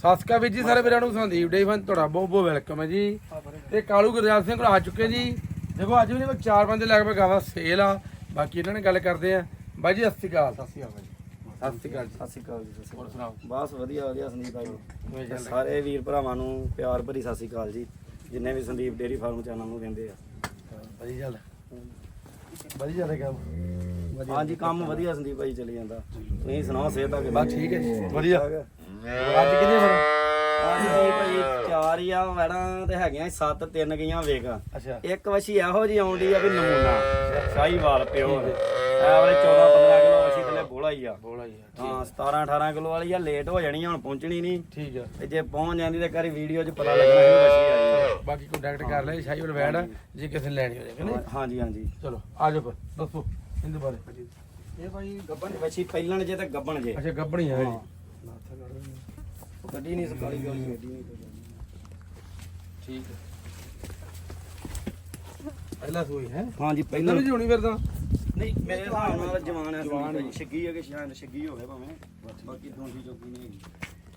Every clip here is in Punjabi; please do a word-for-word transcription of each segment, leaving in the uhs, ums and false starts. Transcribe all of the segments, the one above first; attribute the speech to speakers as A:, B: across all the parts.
A: ਸਾਸਕਾ ਵੀਰ ਜੀ ਸਾਰੇ ਵੀਰਾਂ ਨੂੰ ਸੰਦੀਪ ਡੇ ਫਨ ਤੁਹਾਡਾ ਬਹੁਤ ਬਹੁਤ ਵੈਲਕਮ ਹੈ ਜੀ। ਤੇ ਕਾਲੂ ਗੁਰਜਾਲ ਸਿੰਘ ਕੋਲ ਆ ਚੁੱਕੇ ਜੀ। ਦੇਖੋ ਅੱਜ ਵੀ ਨੇ ਚਾਰ ਬੰਦੇ ਲੱਗ ਪਏ ਗਾਵਾ ਸੇਲ ਆ। ਬਾਕੀ ਇਹਨਾਂ ਨੇ ਗੱਲ ਕਰਦੇ ਆ। ਬਾਈ ਜੀ ਸਤਿ ਸ਼੍ਰੀ ਅਕਾਲ।
B: ਸਤਿ ਸ਼੍ਰੀ ਅਕਾਲ
A: ਸਤਿ ਸ਼੍ਰੀ ਅਕਾਲ
B: ਸਤਿ ਸ਼੍ਰੀ ਅਕਾਲ ਜੀ। ਸਤਿ ਸ਼੍ਰੀ
A: ਹੋਰ
B: ਅਕਾਲ।
A: ਸੁਣਾਓ।
B: ਬਸ ਵਧੀਆ ਵਧੀਆ ਸੰਦੀਪ ਭਾਈ ਤੇ ਸਾਰੇ ਵੀਰ ਭਰਾਵਾਂ ਨੂੰ ਪਿਆਰ ਭਰੀ ਸਤਿ ਸ਼੍ਰੀ ਅਕਾਲ ਜੀ, ਜਿੰਨੇ ਵੀ ਸੰਦੀਪ ਡੇਅਰੀ ਫਾਰਮ ਚੈਨਲ ਨੂੰ ਕਹਿੰਦੇ ਆ।
A: ਵਧੀਆ ਚੱਲ ਵਧੀਆ ਚੱਲ ਕੰਮ।
B: ਹਾਂਜੀ ਕੰਮ ਵਧੀਆ ਸੰਦੀਪ ਭਾਈ ਚੱਲੀ ਜਾਂਦਾ। ਤੁਸੀਂ ਸੁਣਾਓ ਸਿਹਤ ਆ ਕਿ
A: ਬਸ ਠੀਕ ਹੈ ਜੀ ਵਧੀਆ।
B: ਅੱਜ ਕਿੰਨੇ ਫਿਰ ਅੱਜ ਭਾਈ ਚਾਰ ਹੀ ਆ ਵੈੜਾਂ ਤੇ ਹੈਗੀਆਂ ਸੱਤ, ਤਿੰਨ ਗਈਆਂ ਵੇਖ।
A: ਅੱਛਾ
B: ਇੱਕ ਵਛੀ ਇਹੋ ਜੀ ਆਉਂਦੀ ਆ ਵੀ ਨਮੂਨਾ ਸ਼ਾਹੀਵਾਲ ਪਿਓ ਐ ਵਾਲੇ ਚੌਦਾਂ ਪੰਦਰਾਂ ਕਿਲੋ ਵਛੀ ਥੱਲੇ ਬੋਲਾ ਹੀ ਆ।
A: ਬੋਲਾ ਜੀ
B: ਹਾਂ ਸਤਾਰਾਂ ਅਠਾਰਾਂ ਕਿਲੋ ਵਾਲੀ ਆ। ਲੇਟ ਹੋ ਜਾਣੀ ਹੁਣ ਪਹੁੰਚਣੀ ਨਹੀਂ।
A: ਠੀਕ ਆ।
B: ਤੇ ਜੇ ਪਹੁੰਚ ਜਾਂਦੀ ਤੇ ਘਰੀ ਵੀਡੀਓ 'ਚ ਪਤਾ ਲੱਗਣਾ ਸੀ ਵਛੀ ਆਈ।
A: ਬਾਕੀ ਕੰਟੈਕਟ ਕਰ ਲੈ ਸ਼ਾਹੀਵਾਲ ਵੈੜ ਜੇ ਕਿਸੇ ਨੇ ਲੈਣੀ ਹੋਵੇ ਕਿ ਨਹੀਂ।
B: ਹਾਂਜੀ ਹਾਂਜੀ
A: ਚਲੋ ਆ ਜਾਓ ਫਿਰ ਦੱਸੋ ਇਹਦੇ ਬਾਰੇ।
B: ਇਹ ਭਾਈ ਗੱਬਣ ਵਛੀ ਪਹਿਲਣ ਜੇ ਤੇ ਗੱਬਣ ਜੇ।
A: ਅੱਛਾ ਗੱਬਣੀ ਹੈ ਜੀ।
B: ਗੱਡੀ ਨਹੀਂ ਸਕਾਲੀ ਗਾਲੀ ਗੱਡੀ ਨਹੀਂ
A: ਠੀਕ ਹੈ। ਪਹਿਲਾ ਸੂਈ ਹੈ।
B: ਹਾਂਜੀ
A: ਪਹਿਲਾਂ ਵੀ ਹੋਣੀ ਫਿਰ ਤਾਂ
B: ਨਹੀਂ ਮੇਰੇ ਹਿਸਾਬ ਨਾਲ ਜਵਾਨ ਹੈ ਜਵਾਨ ਹੈ ਛੱਗੀ ਹੈ ਕਿ ਸ਼ਾਇਦ ਛੱਗੀ ਹੋਵੇ ਭਾਵੇਂ ਬਾਕੀ ਦੋਂਦੀ ਚੋਕੀ ਨਹੀਂ ਹੈਗੀ।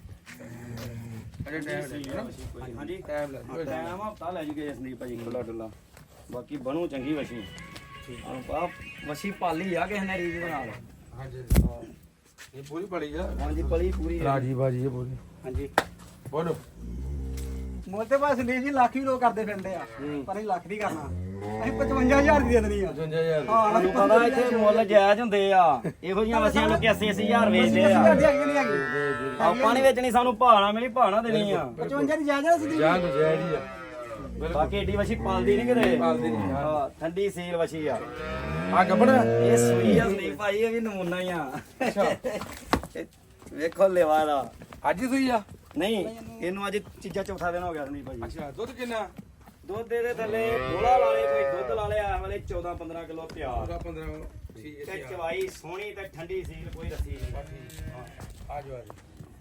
A: ਅਜੇ ਟਾਈਮ
B: ਹਾਂਜੀ
A: ਟਾਈਮ ਲੱਗ
B: ਟਾਈਮ ਹਫਤਾ ਲੈ ਜੂਗੇ ਸੰਦੀਪ ਭਾਜੀ ਖੁੱਲਾ ਡੁੱਲਾ। ਬਾਕੀ ਬਣੂ ਚੰਗੀ ਵਛੀ। ਆ ਵਛੀ ਪਾਲੀ ਆ ਕਿਸੇ ਨੇ ਰੀਜ ਬਣਾ ਲਾ।
A: ਹਾਂਜੀ ਇਹ ਪੂਰੀ ਪੜੀ ਆ।
B: ਹਾਂਜੀ ਪਲੀ ਪੂਰੀ
A: ਰਾਜੀ ਬਾਜੀ ਇਹ ਪੂਰੀ।
B: ਹਾਂਜੀ
A: ਬੋਲੋ।
C: ਮੁੱਲ ਤੇ ਬਸ ਸੰਦੀਪ ਜੀ ਲੱਖ ਵੀ ਲੋਕ ਕਰਦੇ ਫਿਰਦੇ ਆ ਪਰ ਅਸੀਂ ਲੱਖ ਨਹੀਂ ਕਰਨਾ। ਅਸੀਂ ਪਚਵੰਜਾ ਹਜ਼ਾਰ ਦੀ ਦੇ ਦੇਣੀ ਆ।
A: ਪਚਵੰਜਾ ਹਜ਼ਾਰ
C: ਹਾਂ
B: ਤੁਹਾਨੂੰ ਪਤਾ ਇੱਥੇ ਮੁੱਲ ਜਾਇਜ਼ ਹੁੰਦੇ ਆ। ਇਹੋ ਜਿਹੀਆਂ ਵਛੀਆਂ ਨੂੰ ਅੱਸੀ ਅੱਸੀ ਹਜ਼ਾਰ ਵੇਚਦੇ ਆ।
C: ਹੈਗੀ ਨਹੀਂ ਹੈਗੀ।
B: ਆਪਾਂ ਨਹੀਂ ਵੇਚਣੀ, ਸਾਨੂੰ ਭਾਣਾ ਮਿਲੀ ਭਾਣਾ ਦੇਣੀ ਆ।
C: ਪਚਵੰਜਾ ਦੀ ਜਾਇਜ਼ ਆ ਸੰਦੀਪ
A: ਜਾਨ ਜੈ ਜੀ ਆ।
B: ਬਾਕੀ ਏਡੀ ਵਛੀ ਪਾਲਦੀ ਨਹੀਂ ਕਿਤੇ।
A: ਪਾਲਦੀ ਨਹੀਂ।
B: ਹਾਂ ਠੰਡੀ ਸੀਲ ਵਛੀ ਆ।
A: ਆ ਗੱਬੜ
B: ਇਹ ਸੂਈ ਆ ਸੰਦੀਪ ਭਾਈ, ਇਹ ਵੀ ਨਮੂਨਾ ਹੀ ਆ।
A: ਅੱਛਾ
B: ਵੇਖੋ ਲੈਵਾ ਦਾ।
A: ਅੱਜ ਹੀ ਸੂਈ ਆ।
B: ਨਹੀਂ ਇਹਨੂੰ ਅੱਜ ਚੀਜ਼ਾਂ ਚੌਥਾ ਦਿਨ ਹੋ ਗਿਆ ਸੰਦੀਪ ਭਾਈ।
A: ਅੱਛਾ ਦੁੱਧ ਕਿੰਨਾ।
B: ਦੁੱਧ ਦੇ ਥੱਲੇ ਬੋਲਾ ਲਾ ਲੇ ਕੋਈ ਦੁੱਧ ਲਾ ਲਿਆ ਆ ਵਾਲੇ ਚੌਦਾਂ ਪੰਦਰਾਂ ਕਿਲੋ ਤਿਆਰ।
A: ਪੂਰਾ ਪੰਦਰਾਂ ਕਿਲੋ ਠੀਕ
B: ਤੇ
A: ਹੈ।
B: ਚਵਾਈ ਸੋਹਣੀ ਤੇ ਠੰਡੀ ਸੀਲ, ਕੋਈ ਰੱਸੀ ਨਹੀਂ।
A: ਆ ਜਾਓ ਆ ਜਾਓ।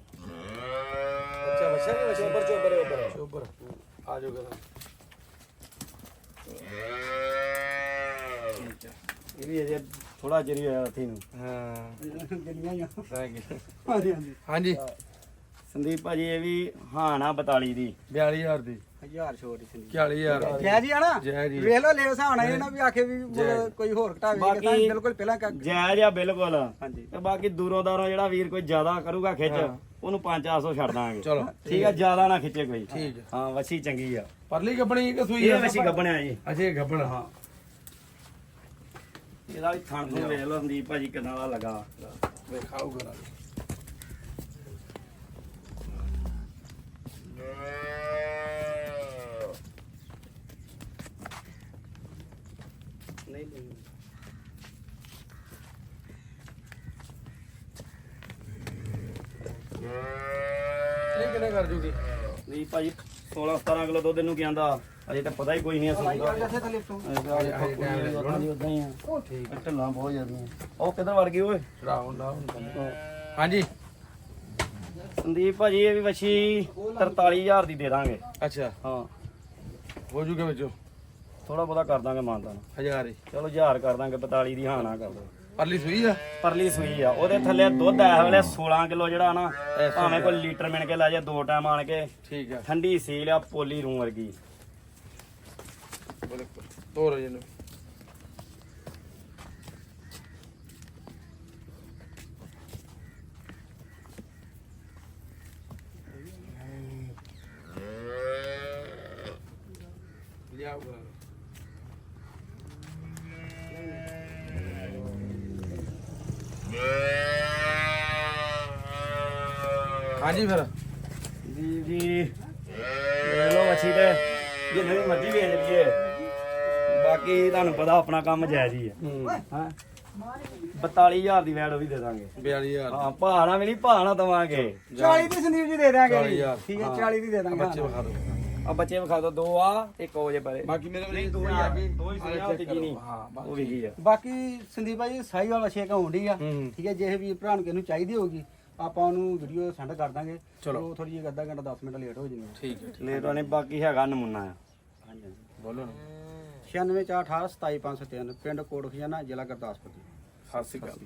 B: ਅੱਛਾ ਵਛਾ ਵੀ ਚੋਬਰ ਚੋਬਰ ਉੱਪਰ
A: ਚੋਬਰ ਆ ਜਾਓ ਕਰਾਂ।
B: ਇਹ ਵੀ ਅਜੇ ਥੋੜਾ ਚਿਰ ਹੀ ਹੋਇਆ ਰੱਥੀ ਨੂੰ।
A: ਹਾਂ
C: ਜਿੰਨੀਆਂ ਹੀ ਆ।
A: Thank you.
C: ਹਾਂਜੀ ਹਾਂਜੀ
A: ਹਾਂਜੀ
B: ਸੰਦੀਪ ਭਾਜੀ ਇਹ ਵੀ ਹਾਣਾ ਬਤਾਲੀ ਦੀ
A: ਬਿਆਲੀ ਹਜ਼ਾਰ ਦੀ।
C: ਹਜ਼ਾਰ ਛੋਟ ਹੀ ਸੰਦੀਪ
A: ਚਾਲੀ ਹਜ਼ਾਰ
C: ਜੈ ਜੀ ਆ ਨਾ।
A: ਜੈ ਜੀ।
C: ਵੇਖ ਲਓ ਲੈ ਹਿਸਾਬ ਨਾਲ ਇਹ ਨਾ ਵੀ ਆਖੇ ਵੀ ਮੁੱਲ ਕੋਈ ਹੋਰ ਘਟਾਵੇ ਕਿ ਤਾਂ
B: ਬਾਕੀ
C: ਬਿਲਕੁਲ ਪਹਿਲਾਂ ਕਰ।
B: ਜਾਇਜ਼ ਆ ਬਿਲਕੁਲ।
C: ਹਾਂਜੀ
B: ਤੇ ਬਾਕੀ ਦੂਰੋਂ ਦਾਰੋਂ ਜਿਹੜਾ ਵੀਰ ਕੋਈ ਜ਼ਿਆਦਾ ਕਰੂਗਾ ਖਿੱਚ ਉਹਨੂੰ ਪੰਜ ਚਾਰ ਸੌ ਛੱਡ ਦਾਂਗੇ।
A: ਚਲੋ
B: ਠੀਕ ਆ, ਜ਼ਿਆਦਾ ਨਾ ਖਿੱਚੇ ਕੋਈ।
A: ਠੀਕ ਹੈ।
B: ਹਾਂ ਵਛੀ ਚੰਗੀ ਆ।
A: ਪਰਲੀ ਗੱਬਣੀ ਕਿ ਸੂਈ
B: ਇਹ
A: ਆ।
B: ਵਛੀ ਗੱਬਣਿਆ ਜੀ।
A: ਅੱਛਾ ਇਹ ਗੱਬਣ
B: ਹਾਂ ਇਹਦਾ ਵੀ ਥਣ ਤੋਂ ਵੇਖ ਲਓ ਸੰਦੀਪ ਭਾਜੀ ਕਿੰਨਾ ਦਾ ਲੱਗਾ।
A: ਵੇਖਾਓ ਕਰਾਂ।
B: ਨਹੀਂ
A: ਇਹ ਕਿੰਨੇ ਕਰ ਜੂਗੀ।
B: ਨਹੀਂ ਭਾਜੀ ਸੋਲਾਂ ਸਤਾਰਾਂ ਕਿਲੋ ਦੁੱਧ ਇਹਨੂੰ ਕਹਿੰਦਾ ਅਜੇ ਤਾਂ ਪਤਾ ਹੀ ਕੋਈ ਨਹੀਂ
C: ਲਾਈ
B: ਅਸਲ
C: ਜੱਥੇ ਥੱਲੇ ਤੋਂ
B: ਉਦਾਂ ਹੀ ਆ।
C: ਉਹ ਠੀਕ
B: ਢਿੱਲਾਂ ਬਹੁਤ ਜਾਂਦੀਆਂ। ਉਹ ਕਿੱਧਰ ਵੜ ਗਈ ਓਏ।
A: ਰਾਉਂ ਨਾ ਹਾਂਜੀ
B: ਸੰਦੀਪ ਭਾਜੀ ਇਹ ਵੀ ਵਛੀ ਤਰਤਾਲੀ ਹਜ਼ਾਰ ਦੀ ਦੇ ਦਾਂਗੇ।
A: ਅੱਛਾ
B: ਹਾਂ
A: ਹੋ ਜੂਗੇ ਵਿੱਚੋਂ
B: ਥੋੜਾ ਬਹੁਤਾ ਕਰ ਦਾਂਗੇ ਮਾਨਤਾ ਨੂੰ।
A: ਹਜ਼ਾਰ ਹੀ।
B: ਚਲੋ ਹਜ਼ਾਰ ਕਰ ਦਾਂਗੇ, ਬਤਾਲੀ ਦੀ ਹਾਂ ਨਾ ਕਰ ਦੋ।
A: ਪਰਲੀ ਸੂਈ ਆ।
B: ਪਰਲੀ ਸੂਈ ਆ। ਉਹਦੇ ਥੱਲੇ ਦੁੱਧ ਇਸ ਵੇਲੇ ਸੋਲਾਂ ਕਿਲੋ ਜਿਹੜਾ ਨਾ ਭਾਵੇਂ ਕੋਈ ਲੀਟਰ ਮਿਣ ਕੇ ਲੈ ਜਾ ਦੋ ਟਾਈਮ ਆਣ ਕੇ।
A: ਠੀਕ ਆ।
B: ਠੰਡੀ ਸੀਲ ਆ ਪੋਲੀ ਰੂ ਵਰਗੀ।
A: ਤੋਰ ਜਿਹਨੂੰ ਲਿਆਓ ਕਰਾਂ। ਹਾਂਜੀ ਫਿਰ
B: ਜੀ ਜੀ ਲੈ ਲਓ ਮੱਛੀ ਤੇ ਜਿੰਨੇ ਵੀ ਮਰਜ਼ੀ ਵੇਚ ਲਈਏ। ਬਾਕੀ ਤੁਹਾਨੂੰ ਪਤਾ ਆਪਣਾ ਕੰਮ ਜਾਇਜ਼ ਹੀ ਆ। ਹਾਂ ਬਤਾਲੀ ਹਜ਼ਾਰ ਦੀ ਵੈਡ ਉਹ ਵੀ ਦੇ ਦਾਂਗੇ।
A: ਬਿਆਲੀ ਹਜ਼ਾਰ
B: ਹਾਂ ਭਾਣਾ ਮਿਲੀ ਭਾਣਾ ਦਵਾਂਗੇ।
C: ਚਾਲੀ ਦੀ ਸੰਦੀਪ ਜੀ ਦੇ ਦਾਂਗੇ
A: ਚਾਲੀ
C: ਜੀ।
A: ਹਜ਼ਾਰ।
C: ਠੀਕ ਹੈ ਚਾਲੀ ਦੀ ਦੇ ਦਾਂਗੇ।
A: ਬੱਚੇ ਵਿਖਾ ਦਿਓ।
B: ਆ ਬੱਚੇ ਵਿਖਾ ਦੋ, ਦੋ ਆ ਇੱਕ ਹੋ ਜੇ ਪਰੇ।
A: ਬਾਕੀ ਮੇਰੇ
B: ਨਹੀਂ ਦੋ ਹੀ ਆ ਗਈ, ਦੋ ਹੀ ਸੁਣਿਆ ਤੀਜੀ ਨਹੀਂ।
A: ਹਾਂ
B: ਉਹ ਵੀ ਗਈ ਆ।
C: ਬਾਕੀ ਸੰਦੀਪ ਭਾਈ ਸਾਈ ਵਾਲਾ ਛੇ ਹੁੰਦੀ ਆ।
A: ਹੂੰ
C: ਠੀਕ ਹੈ ਜੇ ਵੀ ਭਰਾ ਨੂੰ ਕਿਸੇ ਨੂੰ ਚਾਹੀਦੀ ਹੋਗੀ ਆਪਾਂ ਉਹਨੂੰ ਵੀਡੀਓ ਸੈਂਡ ਕਰ ਦਾਂਗੇ।
A: ਚਲੋ।
C: ਥੋੜੀ ਜਿਹੀ ਅੱਧਾ ਘੰਟਾ ਦਸ ਮਿੰਟ ਲੇਟ ਹੋ ਜਾਣੀ।
A: ਠੀਕ ਹੈ।
B: ਲੇਟ ਹੋਣੇ ਬਾਕੀ ਹੈਗਾ ਨਮੂਨਾ ਆ।
C: ਹਾਂਜੀ
A: ਬੋਲੋ ਨਾ।
C: ਛਿਆਨਵੇਂ ਚਾਰ ਅਠਾਰਾਂ ਸਤਾਈ ਪੰਜ ਸੌ ਤਿੰਨ ਪਿੰਡ ਕੋਟ ਖਜ਼ਾਨਾ ਜ਼ਿਲ੍ਹਾ ਗੁਰਦਾਸਪੁਰ।
A: ਸਤਿ ਸ਼੍ਰੀ ਅਕਾਲ।